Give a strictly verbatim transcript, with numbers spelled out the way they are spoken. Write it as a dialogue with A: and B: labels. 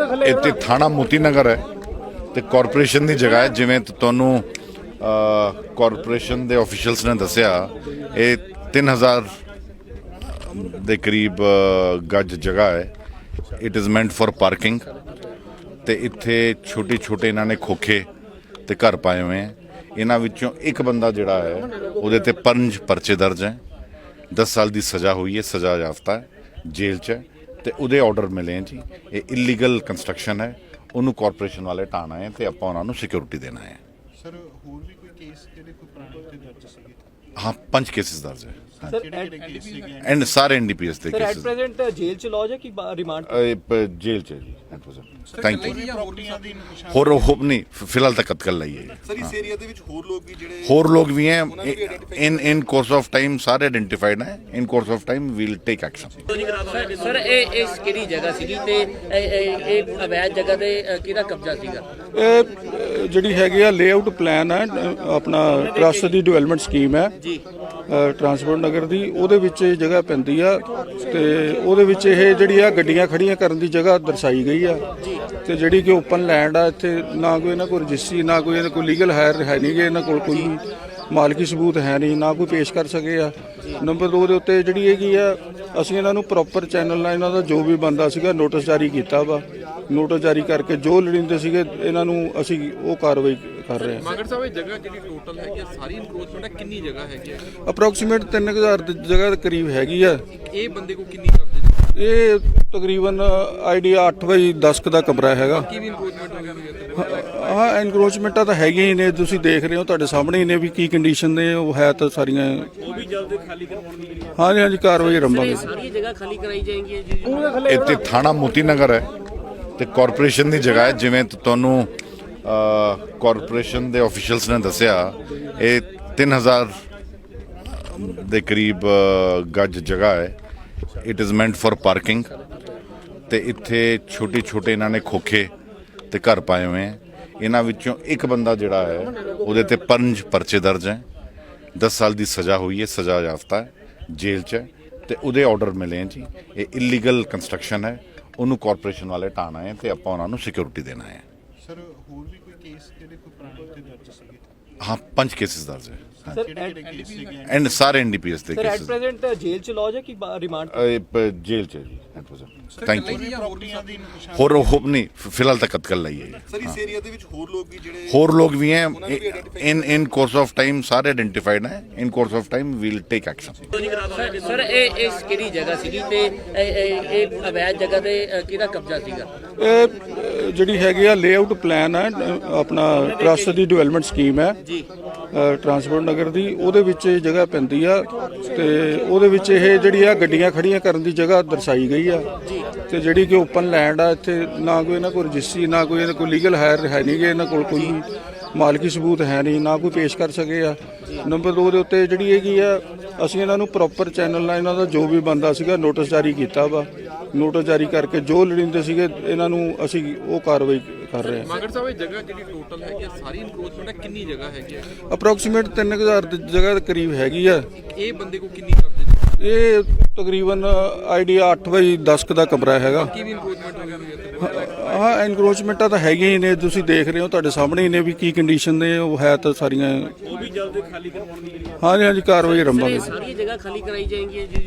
A: ਇੱਥੇ ਥਾਣਾ ਮੋਤੀ ਨਗਰ ਹੈ ਤੇ ਕਾਰਪੋਰੇਸ਼ਨ ਦੀ ਜਗ੍ਹਾ ਹੈ। ਜਿਵੇਂ ਤੁਹਾਨੂੰ ਕਾਰਪੋਰੇਸ਼ਨ ਦੇ ਆਫੀਸ਼ੀਅਲਸ ਨੇ ਦੱਸਿਆ, ਇਹ ਤਿੰਨ ਹਜ਼ਾਰ ਦੇ ਕਰੀਬ ਗੱਜ ਜਗ੍ਹਾ ਹੈ। It is meant for parking ਤੇ ਇੱਥੇ ਛੋਟੇ ਛੋਟੇ ਇਹਨਾਂ ਨੇ ਖੋਖੇ ਤੇ ਘਰ ਪਾਏ ਹੋਏ ਹੈ। ਇਹਨਾਂ ਵਿੱਚੋਂ ਇੱਕ ਬੰਦਾ ਜਿਹੜਾ ਹੈ ਉਹਦੇ ਤੇ ਪੰਜ ਪਰਚੇ ਦਰਜ ਹੈ, दस साल की सज़ा हुई है, सज़ा याफ्ता है, जेल च है तो उहदे ऑर्डर मिले हैं जी। ये इलीगल कंस्ट्रक्शन है, उन्होंने कॉरपोरेशन वाले ढाना है तो आप उन्होंने सिक्योरिटी देना है।
B: सर होर भी कोई केस जेडे कोई पुराने उत्ते दर्ज सीगे?
A: हाँ, पंज केसेस दर्ज है
B: एंड
A: एंड सारे एन डी पी एस के
C: sir at
A: cases
C: present jail च लॉज है कि रिमांड
A: जेल च है जी एट प्रेजेंट। Thank you. होर होप नहीं फिलहाल तक कतल लाई है।
B: सर इस एरिया दे विच होर लोग भी जेडे
A: होर लोग भी हैं in in course of time सारे आइडेंटिफाइड हैं। In course of time will take action.
D: Sir sir ਇਹ ਇਸ ਕਿਹੜੀ ਜਗ੍ਹਾ ਸੀਗੀ ਤੇ ਇਹ- ਇਹ ਇਹ ਅਵੈਧ ਜਗ੍ਹਾ ਤੇ ਅ, ਕਿਹਦਾ ਕਬਜ਼ਾ ਸੀਗਾ?
E: ਇਹ ਅ, ਜਿਹੜੀ ਹੈਗੀ ਆ ਲੇਆਊਟ ਪਲਾਨ ਹੈ, ਅ, ਆਪਣਾ ਟਰੱਸਟ ਦੀ ਡਿਵੈਲਪਮੈਂਟ ਸਕੀਮ ਹੈ
D: ਜੀ
E: ਟਰਾਂਸਪੋਰਟ ਨਗਰ ਦੀ, ਉਹਦੇ ਵਿੱਚ ਇਹ ਜਗ੍ਹਾ ਪੈਂਦੀ ਆ ਤੇ ਉਹਦੇ ਵਿੱਚ ਇਹ ਜਿਹੜੀ ਆ ਗੱਡੀਆਂ ਖੜੀਆਂ ਕਰਨ ਦੀ ਜਗ੍ਹਾ ਦਰਸਾਈ ਗਈ ਆ ਤੇ ਜਿਹੜੀ ਕਿ ਓਪਨ ਲੈਂਡ ਆ। ਇੱਥੇ ਨਾ ਕੋਈ ਇਹਨਾਂ ਕੋਲ ਰਜਿਸਟਰੀ, ਨਾ ਕੋਈ ਇਹਨਾਂ ਕੋਲ ਲੀਗਲ ਹਾਇਰ ਹੈ ਨਹੀਂ ਗੇ, ਇਹਨਾਂ ਕੋਲ ਕੋਈ ਵੀ ਮਾਲਕੀ ਸਬੂਤ ਹੈ ਨਹੀਂ, ਨਾ ਕੋਈ ਪੇਸ਼ ਕਰ ਸਕੇ ਆ। ਨੰਬਰ ਦੋ ਦੇ ਉੱਤੇ ਜਿਹੜੀ ਹੈਗੀ ਆ, ਅਸੀਂ ਇਹਨਾਂ ਨੂੰ ਪ੍ਰੋਪਰ ਚੈਨਲ ਨਾਲ ਇਹਨਾਂ ਦਾ ਜੋ ਵੀ ਬੰਦਾ ਸੀਗਾ ਨੋਟਿਸ ਜਾਰੀ ਕੀਤਾ ਵਾ। ਨੋਟਿਸ ਜਾਰੀ ਕਰਕੇ ਜੋ ਲੜਿੰਦੇ ਸੀਗੇ ਇਹਨਾਂ ਨੂੰ ਅਸੀਂ ਉਹ ਕਾਰਵਾਈ ਕਰ ਰਹੇ ਹਾਂ।
F: ਮਗਰ ਸਾਹਿਬ ਇਹ ਜਗ੍ਹਾ ਜਿਹੜੀ ਟੋਟਲ ਹੈਗੀ ਆ ਸਾਰੀ ਇਨਕਰੋਚਮੈਂਟ ਹੈ, ਕਿੰਨੀ ਜਗ੍ਹਾ ਹੈਗੀ ਆ?
E: ਅਪਰੋਕਸੀਮੇਟ ਤਿੰਨ ਹਜ਼ਾਰ ਦੀ ਜਗ੍ਹਾ ਦੇ ਕਰੀਬ ਹੈਗੀ ਆ।
F: ਇਹ ਬੰਦੇ ਕੋ ਕਿੰਨੀ ਕਬਜ਼ੇ ਚ?
E: ਇਹ ਤਕਰੀਬਨ ਆਈਡੀਆ ਅੱਠ ਬਾਈ ਦਸ ਕੁ ਦਾ ਕਮਰਾ ਹੈਗਾ।
F: ਕੀ ਵੀ ਇਨਕਰੋਚਮੈਂਟ ਹੋਈ ਹੋਈ ਹੈ?
E: ਹਾਂ, ਐਨਕਰੋਚਮੈਂਟਾਂ ਤਾਂ ਹੈਗੀਆਂ ਹੀ ਨੇ, ਤੁਸੀਂ ਦੇਖ ਰਹੇ ਹੋ, ਤੁਹਾਡੇ ਸਾਹਮਣੇ ਹੀ ਨੇ ਵੀ ਕੀ ਕੰਡੀਸ਼ਨ ਨੇ ਉਹ ਹੈ। ਤਾਂ ਸਾਰੀਆਂ ਉਹ ਵੀ ਜਲਦ ਖਾਲੀ ਕਰਵਾਉਣ ਦੀ ਹਾਂਜੀ ਹਾਂਜੀ ਕਾਰਵਾਈ ਆਰੰਭਾਂਗੇ।
D: ਸਾਰੀ ਜਗ੍ਹਾ ਖਾਲੀ ਕਰਾਈ ਜਾਏਗੀ ਜੀ?
A: ਇੱਥੇ ਥਾਣਾ ਮੋਤੀ ਨਗਰ ਹੈ ਤੇ ਕਾਰਪੋਰੇਸ਼ਨ ਦੀ ਜਗ੍ਹਾ ਹੈ। ਜਿਵੇਂ ਤੁਹਾਨੂੰ ਕਾਰਪੋਰੇਸ਼ਨ ਦੇ ਆਫੀਸ਼ੀਅਲਸ ਨੇ ਦੱਸਿਆ, ਇਹ ਤਿੰਨ ਹਜ਼ਾਰ ਦੇ ਕਰੀਬ ਗੱਜ ਜਗ੍ਹਾ ਹੈ। It is meant for parking ਤੇ ਇੱਥੇ ਛੋਟੇ ਛੋਟੇ ਇਹਨਾਂ ਨੇ ਖੋਖੇ ਤੇ ਘਰ ਪਾਏ ਹੋਏ ਹੈ। ਇਹਨਾਂ ਵਿੱਚੋਂ ਇੱਕ ਬੰਦਾ ਜਿਹੜਾ ਹੈ ਉਹਦੇ ਤੇ ਪੰਜ ਪਰਚੇ ਦਰਜ ਹੈ, दस साल की सज़ा हुई है, सज़ा याफ्ता है, जेल च है तो उहदे ऑर्डर मिले हैं जी। ये इलीगल कंस्ट्रक्शन है, उन्होंने कॉरपोरेशन वाले ढाना है तो आप उन्होंने सिक्योरिटी देना है।
B: सर होर भी कोई केस जेडे कोई पुराने उत्ते दर्ज सीगे?
A: हाँ, पंज केसेस दर्ज है
C: सर
A: एंड सारे एन डी पी एस के
C: sir at
A: cases
C: present jail च लॉज है कि रिमांड
A: जेल च है जी एट प्रेजेंट। Thank you.
B: प्रॉपर्टियां दी निशान
A: होर होप नहीं फिलहाल तक कतल लाई है।
B: सर इस एरिया दे विच होर लोग भी जेडे
A: होर लोग भी हैं in in course of time सारे आइडेंटिफाइड हैं। In course of time will take action.
D: Sir sir ਇਹ ਇਸ ਕਿਹੜੀ ਜਗ੍ਹਾ ਸੀਗੀ ਤੇ ਇਹ- ਇਹ ਇਹ ਅਵੈਧ ਜਗ੍ਹਾ ਤੇ ਅ, ਕਿਹਦਾ ਕਬਜ਼ਾ ਸੀਗਾ?
E: ਇਹ ਅ, ਜਿਹੜੀ ਹੈਗੀ ਆ ਲੇਆਊਟ ਪਲਾਨ ਹੈ, ਅ, ਆਪਣਾ ਟਰੱਸਟ ਦੀ ਡਿਵੈਲਪਮੈਂਟ ਸਕੀਮ ਹੈ
D: ਜੀ
E: ਟਰਾਂਸਪੋਰਟ ਨਗਰ ਦੀ, ਉਹਦੇ ਵਿੱਚ ਇਹ ਜਗ੍ਹਾ ਪੈਂਦੀ ਆ ਤੇ ਉਹਦੇ ਵਿੱਚ ਇਹ ਜਿਹੜੀ ਆ ਗੱਡੀਆਂ ਖੜੀਆਂ ਕਰਨ ਦੀ ਜਗ੍ਹਾ ਦਰਸਾਈ ਗਈ ਆ ਤੇ ਜਿਹੜੀ ਕਿ ਓਪਨ ਲੈਂਡ ਆ। ਇੱਥੇ ਨਾ ਕੋਈ ਇਹਨਾਂ ਕੋਲ ਰਜਿਸਟਰੀ, ਨਾ ਕੋਈ ਇਹਨਾਂ ਕੋਲ ਲੀਗਲ ਹਾਇਰ ਹੈ ਨਹੀਂ ਗੇ, ਇਹਨਾਂ ਕੋਲ ਕੋਈ ਵੀ ਮਾਲਕੀ ਸਬੂਤ ਹੈ ਨਹੀਂ, ਨਾ ਕੋਈ ਪੇਸ਼ ਕਰ ਸਕੇ ਆ। ਨੰਬਰ ਦੋ ਦੇ ਉੱਤੇ ਜਿਹੜੀ ਹੈਗੀ ਆ, ਅਸੀਂ ਇਹਨਾਂ ਨੂੰ ਪ੍ਰੋਪਰ ਚੈਨਲ ਨਾਲ ਇਹਨਾਂ ਦਾ ਜੋ ਵੀ ਬੰਦਾ ਸੀਗਾ ਨੋਟਿਸ ਜਾਰੀ ਕੀਤਾ ਵਾ। ਨੋਟਿਸ ਜਾਰੀ ਕਰਕੇ ਜੋ ਲੜਿੰਦੇ ਸੀਗੇ ਇਹਨਾਂ ਨੂੰ ਅਸੀਂ ਉਹ ਕਾਰਵਾਈ ਕਰ ਰਹੇ ਹਾਂ।
F: ਮਗਰ ਸਾਹਿਬ ਇਹ ਜਗ੍ਹਾ ਜਿਹੜੀ ਟੋਟਲ ਹੈਗੀ ਆ ਸਾਰੀ ਇਨਕਰੋਚਮੈਂਟ ਹੈ, ਕਿੰਨੀ ਜਗ੍ਹਾ ਹੈਗੀ ਆ?
E: ਅਪਰੋਕਸੀਮੇਟ ਤਿੰਨ ਹਜ਼ਾਰ ਦੀ ਜਗ੍ਹਾ ਦੇ ਕਰੀਬ ਹੈਗੀ ਆ।
F: ਇਹ ਬੰਦੇ ਕੋ ਕਿੰਨੀ ਕਬਜ਼ੇ ਚ?
E: ਇਹ ਤਕਰੀਬਨ ਆਈਡੀਆ ਅੱਠ ਬਾਈ ਦਸ ਕੁ ਦਾ ਕਮਰਾ ਹੈਗਾ।
F: ਕੀ ਵੀ ਇਨਕਰੋਚਮੈਂਟ ਹੋਈ ਹੋਈ ਹੈ?
E: ਹਾਂ, ਐਨਕਰੋਚਮੈਂਟਾਂ ਤਾਂ ਹੈਗੀਆਂ ਹੀ ਨੇ, ਤੁਸੀਂ ਦੇਖ ਰਹੇ ਹੋ, ਤੁਹਾਡੇ ਸਾਹਮਣੇ ਹੀ ਨੇ ਵੀ ਕੀ ਕੰਡੀਸ਼ਨ ਨੇ ਉਹ ਹੈ। ਤਾਂ ਸਾਰੀਆਂ ਉਹ ਵੀ ਜਲਦ ਖਾਲੀ ਕਰਵਾਉਣ ਦੀ ਹਾਂਜੀ ਹਾਂਜੀ ਕਾਰਵਾਈ ਆਰੰਭਾਂਗੇ।
D: ਸਾਰੀ ਜਗ੍ਹਾ ਖਾਲੀ ਕਰਾਈ ਜਾਏਗੀ ਜੀ?